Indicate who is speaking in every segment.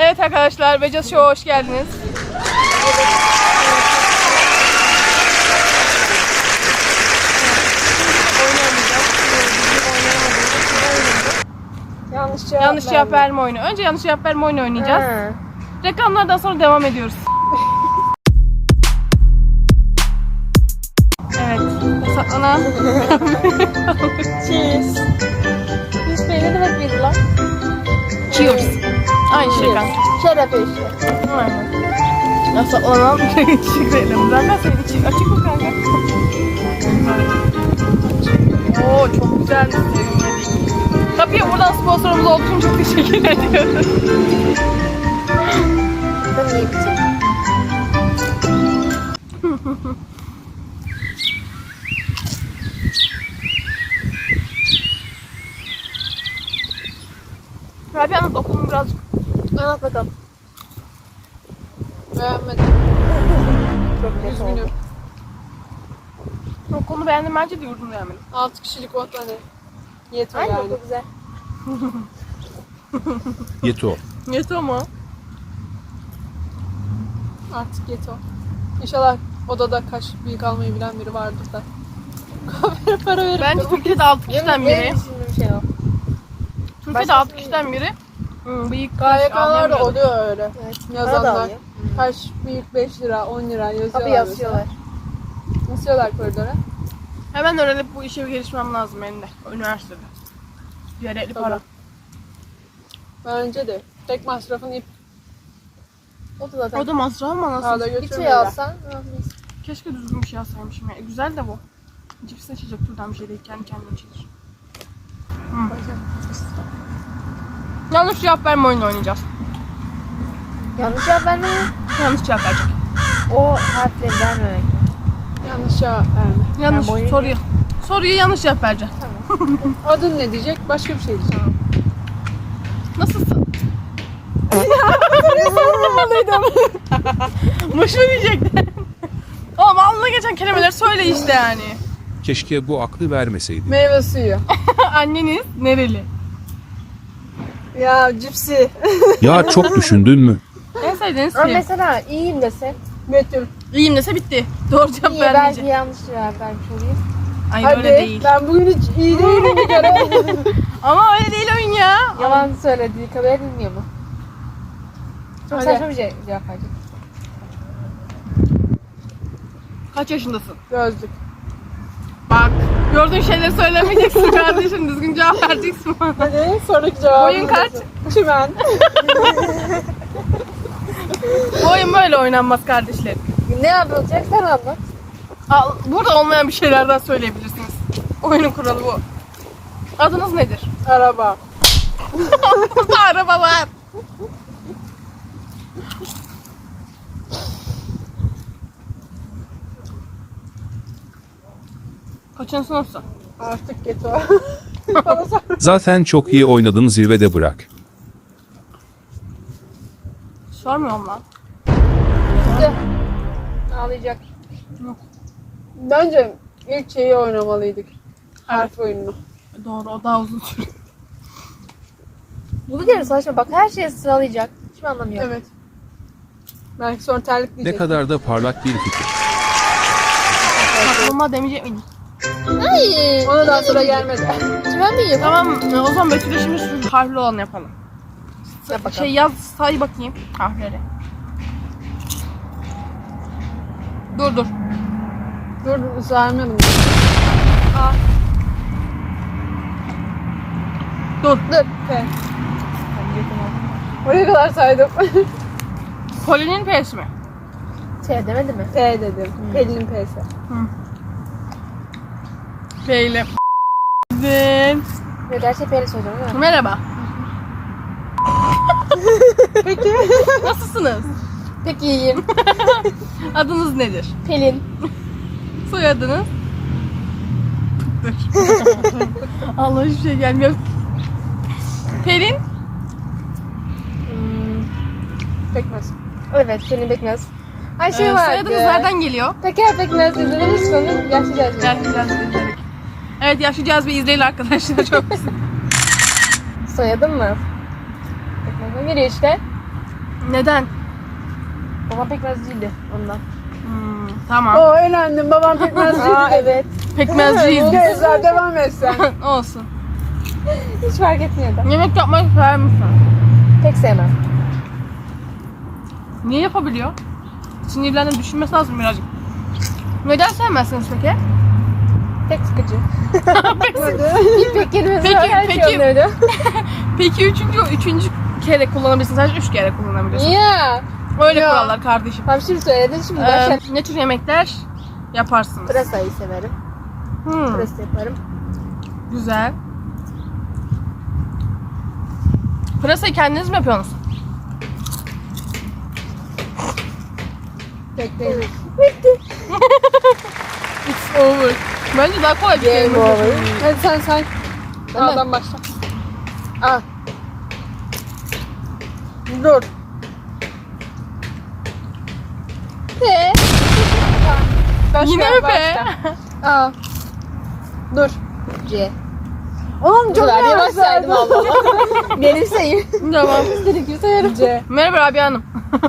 Speaker 1: Evet arkadaşlar, Becaz Show'a hoş geldiniz. Yanlış cevap verme oyunu. Önce yanlış cevap verme oyunu oynayacağız. Reklamlardan sonra devam ediyoruz. Evet. Saklana.
Speaker 2: Cheers. Biz ne demek biz lan?
Speaker 1: Cheers. Aynı şey kanka.
Speaker 2: Şeref eşi.
Speaker 1: Aynen. Ya saklanan teşekkür ederim. Zaten senin için açık mı kanka? Oo çok güzel. Tabii buradan sponsorumuz olduğu için çok teşekkür ediyorum.
Speaker 2: Ben iyi bitirdim.
Speaker 1: Rabia anlat okulunu birazcık.
Speaker 2: Anlat bakalım. Beğenmedim. Çok üzgünüm.
Speaker 1: Okulunu beğendim bence de yurdunu beğenmedim.
Speaker 2: 6 kişilik ot hani. Yetiyor
Speaker 3: Aynen
Speaker 2: yani.
Speaker 3: çok güzel.
Speaker 4: Yeto.
Speaker 1: Yeter ama.
Speaker 2: Artık yeto. İnşallah odada kaş büyük almayı bilen biri vardır da. Kahveye para verip
Speaker 1: Bence
Speaker 2: de-
Speaker 1: Türkiye'de 6 kişiden biri.
Speaker 3: Benim düşündüğüm şey o.
Speaker 1: Türkiye'de 6 kişiden biri. Bıyık
Speaker 2: KYK'lar da oluyor öyle.
Speaker 3: Evet. Para da
Speaker 2: Yazanlar.
Speaker 3: alıyor.
Speaker 2: Kaş büyük 5 lira, 10 lira yazıyorlar.
Speaker 3: Tabii yazıyorlar.
Speaker 2: mesela. Yazıyorlar koridora.
Speaker 1: Hemen öğrenip bu işe gelişmem lazım benim de. Üniversitede. Gerekli para.
Speaker 2: Bence de. Tek masrafın ip.
Speaker 3: O da zaten.
Speaker 1: O da masraf ama
Speaker 2: Sağda
Speaker 1: nasıl?
Speaker 3: Bir şey
Speaker 2: götürmüyorlar.
Speaker 3: alsan.
Speaker 1: Keşke düzgün bir şey alsaymışım ya. Güzel de bu. Cips seçecek türden bir şey değil. Kendi kendine içilir. Yanlış cevap verme oyunu oynayacağız.
Speaker 3: Yanlış cevap vermeyi.
Speaker 1: Yanlış cevap verecek.
Speaker 3: O harfleri vermemek.
Speaker 2: Yanlış cevap verme.
Speaker 1: Yanlış
Speaker 3: boyun-
Speaker 1: soruyu yanlış cevap verecek.
Speaker 2: Adın ne diyecek? Başka bir şey diyecek.
Speaker 1: Nasılsın? Boş mu diyecektin? Oğlum alnına geçen kelimeleri söyle işte yani.
Speaker 4: Keşke bu aklı vermeseydi.
Speaker 2: Meyve suyu.
Speaker 1: Anneniz nereli?
Speaker 2: Ya cipsi.
Speaker 4: Ya çok düşündün mü?
Speaker 1: En sevdiğiniz
Speaker 3: Ama
Speaker 1: film.
Speaker 3: mesela iyiyim dese.
Speaker 2: Betül.
Speaker 1: İyiyim dese bitti. Doğru cevap
Speaker 3: İyi belki
Speaker 1: vermeyecek.
Speaker 3: yanlış cevap vermiş olayım.
Speaker 1: Hayır
Speaker 2: Hadi.
Speaker 1: öyle değil.
Speaker 2: Ben bugün hiç iyi değilim bir kere.
Speaker 1: Ama öyle değil oyun ya.
Speaker 3: Yalan söylediği kabul edilmiyor mu? Çok
Speaker 2: Hadi.
Speaker 3: saçma bir cevap verecek.
Speaker 1: Kaç yaşındasın?
Speaker 2: Gözlük.
Speaker 1: Bak. Gördüğün şeyleri söylemeyeceksin kardeşim. Düzgün cevap vereceksin bana.
Speaker 2: Hadi sonraki cevabı.
Speaker 1: Boyun kaç?
Speaker 2: Çimen.
Speaker 1: Bu oyun böyle oynanmaz kardeşlerim.
Speaker 3: Ne yapılacak sen anlat.
Speaker 1: Burada olmayan bir şeylerden söyleyebilirsiniz. Oyunun kuralı bu. Adınız nedir?
Speaker 2: Araba.
Speaker 1: Burada araba var. Kaçıncı sınıfsın?
Speaker 2: Artık geto. Bana sor.
Speaker 4: Zaten çok iyi oynadın, zirvede bırak.
Speaker 1: Sormuyorum lan.
Speaker 3: Ağlayacak.
Speaker 2: Bence ilk şeyi oynamalıydık. Harf oyununu.
Speaker 1: Doğru, o daha uzun sürüyor.
Speaker 3: Bu bir kere saçma. Bak her şeyi sıralayacak. Hiçbir anlamı yok.
Speaker 2: Evet. Belki sonra terlik
Speaker 4: Ne
Speaker 2: diyecek.
Speaker 4: kadar da parlak bir fikir.
Speaker 1: Aklıma demeyecek miydim?
Speaker 3: Ay.
Speaker 2: Ona daha sıra gelmedi.
Speaker 3: Çimen mi yiyor?
Speaker 1: Tamam, o zaman Betül'e şimdi şu harfli olanı yapalım.
Speaker 3: Yap bakalım.
Speaker 1: Şey yaz, say bakayım harfleri. Dur.
Speaker 2: Dur saymayalım.
Speaker 1: Dur.
Speaker 2: P. Oraya kadar saydım.
Speaker 1: Polinin P'si mi?
Speaker 3: T demedi mi?
Speaker 2: P dedim. Pelin'in P'si.
Speaker 1: P ile.
Speaker 3: Yok her şeyi P'yle söyleyeceğim değil mi?
Speaker 1: Merhaba.
Speaker 2: Peki.
Speaker 1: Nasılsınız?
Speaker 3: Peki iyiyim.
Speaker 1: Adınız nedir?
Speaker 3: Pelin.
Speaker 1: Soyadınız? Dur. Allah hiçbir şey gelmiyor. Pelin?
Speaker 2: Pekmez.
Speaker 3: Evet Pelin Bekmez. Ay şey var.
Speaker 1: soyadınız nereden geliyor?
Speaker 3: Peker Bekmez izlediniz mi onu? Yaşlayacağız.
Speaker 1: Yaşlı Cazbe izledik. Evet Yaşlı Cazbe izleyin arkadaşlar çok güzel.
Speaker 3: Soyadın mı? Bekmez'den geliyor işte.
Speaker 1: Neden?
Speaker 3: Babam pekmez değildi ondan.
Speaker 1: Tamam.
Speaker 2: Oo eğlendim. Babam pekmezciydi.
Speaker 3: Evet.
Speaker 1: Pekmezciyiz biz.
Speaker 2: Gözler devam etsen.
Speaker 1: Olsun.
Speaker 3: Hiç fark etmiyor da.
Speaker 1: Yemek yapmayı sever misin?
Speaker 3: Pek sevmem.
Speaker 1: Niye yapabiliyor? Sinirlendim, düşünmesi lazım birazcık. Neden sevmezsiniz peki?
Speaker 3: Pek sıkıcı. İpek kelimesi
Speaker 1: Peki,
Speaker 3: var. Her şey
Speaker 1: peki.
Speaker 3: onları.
Speaker 1: Peki üçüncü kere kullanabilirsin. Sadece 3 kere kullanabilirsin.
Speaker 3: Ya.
Speaker 1: Öyle
Speaker 2: Ya.
Speaker 1: kurallar kardeşim.
Speaker 3: Tam şimdi söyledin şimdi başla.
Speaker 1: Ne tür yemekler yaparsınız?
Speaker 3: Pırasayı severim. Pırasa yaparım.
Speaker 1: Güzel. Pırasayı kendiniz mi yapıyorsunuz?
Speaker 2: Tek değil.
Speaker 1: It's over. Bence daha kolay bir
Speaker 3: Game
Speaker 1: kelime.
Speaker 3: over.
Speaker 2: Hadi sen say.
Speaker 3: Ben de.
Speaker 2: A'dan başla.
Speaker 3: A.
Speaker 2: Dur.
Speaker 3: P.
Speaker 2: Başla,
Speaker 1: Yine mi be?
Speaker 2: başla. A. Dur.
Speaker 3: C.
Speaker 2: Oğlum
Speaker 3: Bu
Speaker 2: çok
Speaker 3: kadar yavaş
Speaker 2: yavaş
Speaker 3: saydım
Speaker 2: saydım.
Speaker 3: Allah Allah. Benim sayım.
Speaker 1: Tamam.
Speaker 3: İstediğim gibi sayarım.
Speaker 2: C.
Speaker 1: Merhaba Rabia Hanım.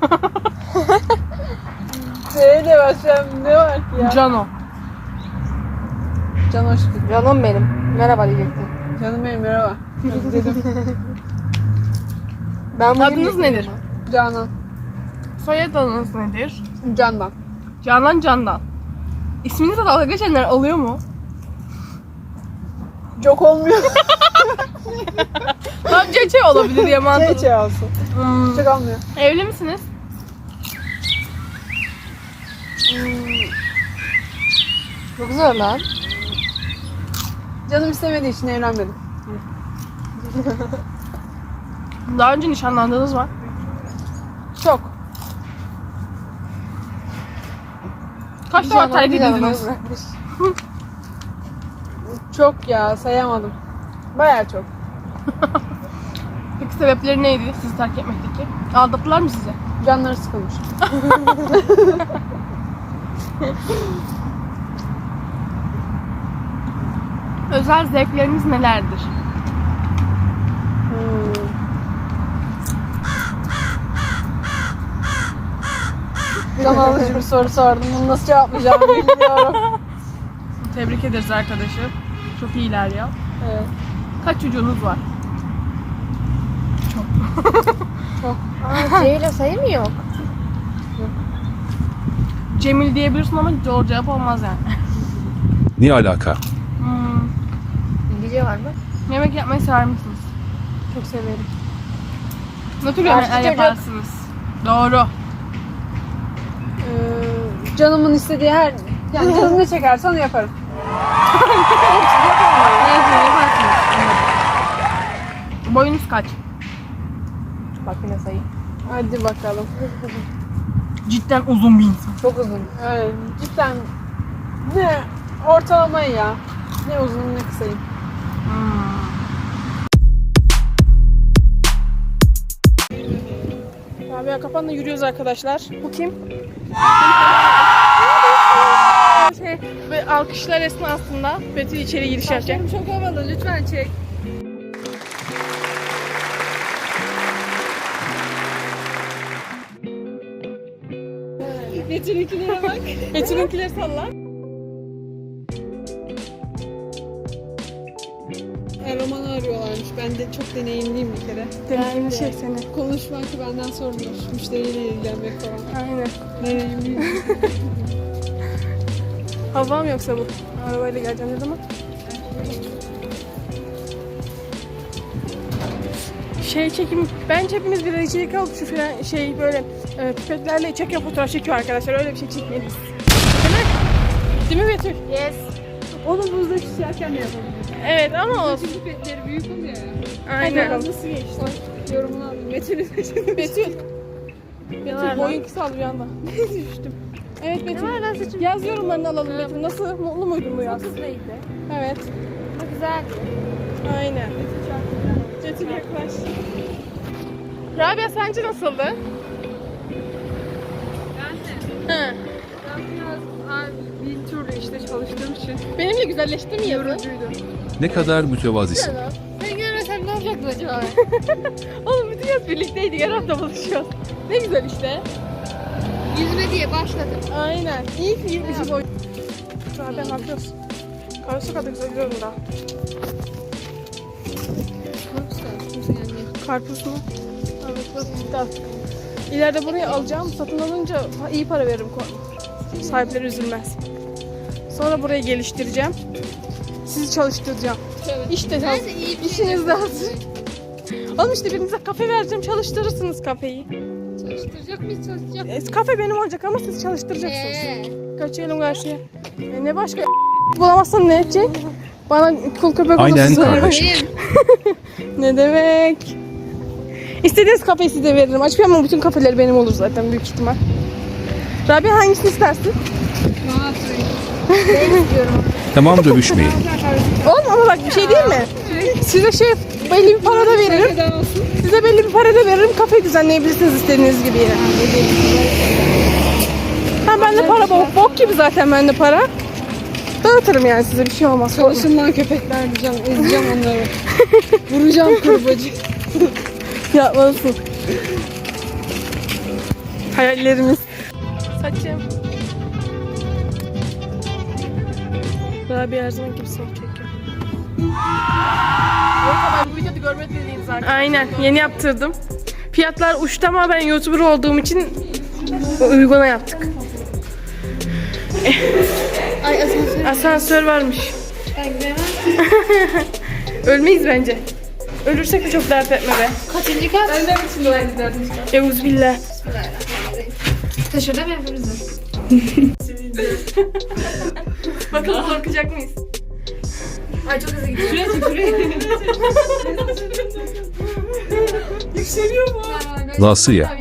Speaker 2: C ile başlayan ne var ki ya?
Speaker 1: Cano.
Speaker 2: Can hoş geldin.
Speaker 3: Canım benim. Merhaba diyecektim.
Speaker 2: Canım benim merhaba. Dedim.
Speaker 3: Ben bugün
Speaker 1: Adınız nedir?
Speaker 2: Canan.
Speaker 1: Soyadınız nedir?
Speaker 2: Candan.
Speaker 1: Canan Candan. İsminizle dalga geçenler oluyor mu?
Speaker 2: Çok olmuyor.
Speaker 1: Tam Cece olabilir ya mantıklı.
Speaker 2: C olsun. Çok olmuyor.
Speaker 1: Evli misiniz?
Speaker 3: Çok zor lan.
Speaker 2: Canım istemediği için evlenmedim.
Speaker 1: Daha önce nişanlandığınız var.
Speaker 2: Çok.
Speaker 1: Kaç defa terk edildiniz?
Speaker 2: Çok ya sayamadım. Bayağı çok.
Speaker 1: Peki sebepleri neydi sizi terk etmekteki? Aldattılar mı sizi?
Speaker 2: Canları sıkılmış.
Speaker 1: Özel zevkleriniz nelerdir?
Speaker 2: Can alıcı bir soru sordum. Bunu nasıl cevaplayacağımı bilmiyorum.
Speaker 1: Tebrik ederiz arkadaşım. Çok iyi ilerliyor.
Speaker 2: Evet.
Speaker 1: Kaç çocuğunuz var?
Speaker 3: Aa, C ile sayı mı yok?
Speaker 1: Cemil diyebilirsin ama doğru cevap olmaz yani.
Speaker 4: Ne alaka?
Speaker 3: İngilizce var mı?
Speaker 1: Yemek yapmayı sever misiniz?
Speaker 2: Çok severim.
Speaker 1: Ne tür
Speaker 3: Yaşlı
Speaker 1: yemekler
Speaker 3: çocuk.
Speaker 1: yaparsınız? Doğru.
Speaker 2: Canımın istediği her... Yani canım ne çekerse onu yaparım.
Speaker 1: Ne yaparsınız? Boyunuz kaç?
Speaker 3: Bak yine sayı.
Speaker 2: Hadi bakalım.
Speaker 1: Cidden uzun bir insan.
Speaker 3: Çok uzun.
Speaker 2: Evet, cidden ne ortalamayı ya. Ne uzun ne kısayım.
Speaker 1: Rabia kapanla yürüyoruz arkadaşlar. Bu kim? Ve alkışlar esnasında Betül içeri giriş yapacak.
Speaker 2: Çok havalı, lütfen çek. Betül'ünkilere bak.
Speaker 1: Betül'ünkileri salla.
Speaker 2: Roman'ı arıyorlarmış. Ben de çok deneyimliyim bir kere.
Speaker 1: Deneyimli şey seni.
Speaker 2: Konuşmak benden sorulur. Müşteriyle ilgilenmek falan.
Speaker 1: Aynen.
Speaker 2: Deneyimliyim.
Speaker 1: Hava mı yoksa bu? Arabayla geleceğim ne zaman? Şey çekim, bence hepimiz bir içerik alıp şu falan şey böyle pipetlerle çekiyor fotoğraf çekiyor arkadaşlar. Öyle bir şey çekmeyiz. Değil mi? Değil mi Betül?
Speaker 3: Yes.
Speaker 2: Onu buzda pişerken de yapabiliriz.
Speaker 1: Evet ama olsun.
Speaker 2: Çünkü petleri büyük oluyor ya.
Speaker 1: Aynen.
Speaker 2: Nasıl geçti? Yorumunu aldım. Betül'ün
Speaker 1: Betül. Betül boyun kısaldı bir anda. Düştüm. Evet Betül.
Speaker 3: Ne var lan saçım?
Speaker 1: Yaz yorumlarını alalım Betül. Nasıl? Mutlu muydun bu yaz?
Speaker 3: Hızlıydı.
Speaker 1: Evet.
Speaker 3: Çok güzeldi.
Speaker 1: Aynen. Betül yaklaş. Rabia sence nasıldı? Hı.
Speaker 2: Ben biraz bir türlü işte çalıştığım için
Speaker 1: Benimle güzelleşti mi yazı?
Speaker 2: yorucuydu.
Speaker 4: Ne kadar mütevazisin.
Speaker 3: Sen görmesen ne olacak buluşacak mı acaba?
Speaker 1: Oğlum bütün yaz birlikteydik. Her hafta buluşuyoruz. Ne güzel işte.
Speaker 3: Yüzme diye başladım.
Speaker 1: Aynen. İyi ki gitmişiz o. Zaten ne yapıyoruz? Karşı kadar güzel gidiyorum da. Karpuz mu? Evet, burası bitti artık. İleride burayı alacağım. Satın alınca iyi para veririm. Sahipleri üzülmez. Sonra burayı geliştireceğim. Sizi çalıştıracağım. İşte
Speaker 3: Neyse iyi bir
Speaker 1: işiniz de hazır. Oğlum işte birinize kafe vereceğim. Çalıştırırsınız kafeyi.
Speaker 3: Çalıştıracak mıyız çalışacak?
Speaker 1: Kafe benim olacak ama siz çalıştıracaksınız. Kaçıyorum karşıya. Ne başka bulamazsan ne edecek? Bana kul köpek
Speaker 4: Aynen
Speaker 1: olursun söyle.
Speaker 4: kardeşim.
Speaker 1: Ne demek? İstediğiniz kafeyi size veririm. Açmıyorum ama bütün kafeler benim olur zaten büyük ihtimal. Rabia hangisini istersin?
Speaker 4: Tamam dövüşmeyin.
Speaker 1: Oğlum ama bak bir şey değil mi? Size belli bir para da veririm. Size belli bir para da veririm. Kafeyi düzenleyebilirsiniz istediğiniz gibi yine. Ha bende para bok gibi zaten bende para. Dağıtırım yani size bir şey olmaz.
Speaker 2: Çalışın lan köpekler diyeceğim. Ezeceğim onları. Vuracağım kurbacı.
Speaker 1: Yapmalısın. Hayallerimiz. Saçım. Rabia her zaman gibi seni çekiyor. Bu videoda görmediğiniz zaten. Aynen. Yeni yaptırdım. Fiyatlar uçtu ama ben YouTuber olduğum için uyguna yaptık.
Speaker 3: Ay asansör.
Speaker 1: Asansör varmış.
Speaker 3: Ben gidemem.
Speaker 1: Ölmeyiz bence. Ölürsek de çok dert etme be.
Speaker 3: Kaçıncı kat?
Speaker 2: Ben de için dua ederdim işte.
Speaker 1: Euzbillah.
Speaker 3: Bismillahirrahmanirrahim. Taşırda mı hepimiz?
Speaker 1: Bakalım korkacak mıyız?
Speaker 3: Ay çok hızlı gidiyor.
Speaker 2: Şuraya çık şuraya.
Speaker 1: Yükseliyor mu?
Speaker 4: Nasıl ya?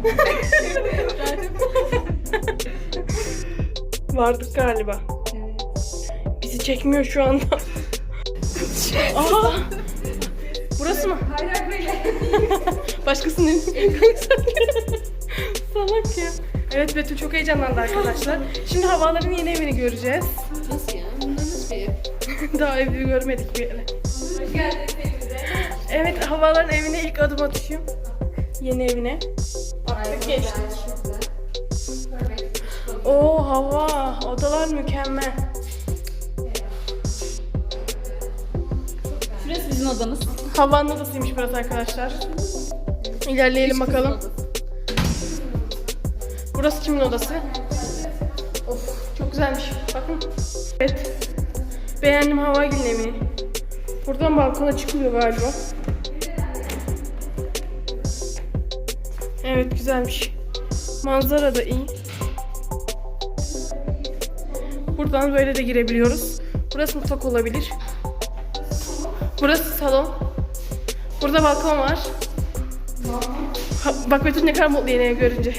Speaker 1: Vardık galiba. Bizi çekmiyor şu anda. Aa! Burası mı? Başkasının salak ya. Evet Betül çok heyecanlandı arkadaşlar. Şimdi Havaların yeni evini göreceğiz.
Speaker 3: Nasıl ya? Bunlar nasıl bir ev?
Speaker 1: Daha evi görmedik bir yere. Evet Havaların evine ilk adım atışım. Yeni evine. Baktık geçtik. Oo hava, odalar mükemmel.
Speaker 2: Şurası bizim odamız.
Speaker 1: Havanın odasıymış burası arkadaşlar. İlerleyelim bakalım. Burası kimin odası? Of çok güzelmiş. Bakın. Evet. Beğendim Havagil'in evini. Buradan balkona çıkılıyor galiba. Evet güzelmiş. Manzara da iyi. Buradan böyle de girebiliyoruz. Burası mutfak olabilir. Burası salon. Burada balkon var. Bak Betül ne kadar mutlu yeni ev görünce.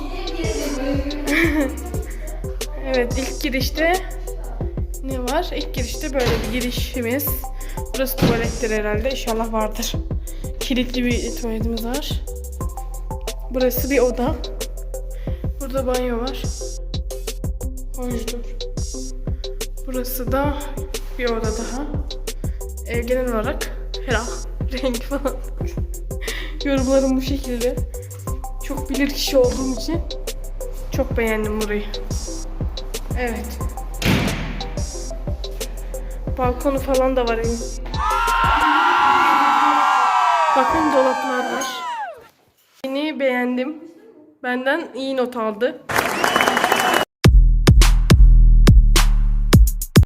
Speaker 1: Evet ilk girişte ne var? İlk girişte böyle bir girişimiz. Burası tuvalettir herhalde. İnşallah vardır. Kilitli bir tuvaletimiz var. Burası bir oda. Burada banyo var. Hoşdur. Burası da bir oda daha. Genel olarak ferah. Rengi falan. Yorumlarım bu şekilde. Çok bilir kişi olduğum için çok beğendim burayı. Evet. Balkonu falan da var evin. Bakın dolaplar var. Yeni beğendim. Benden iyi not aldı.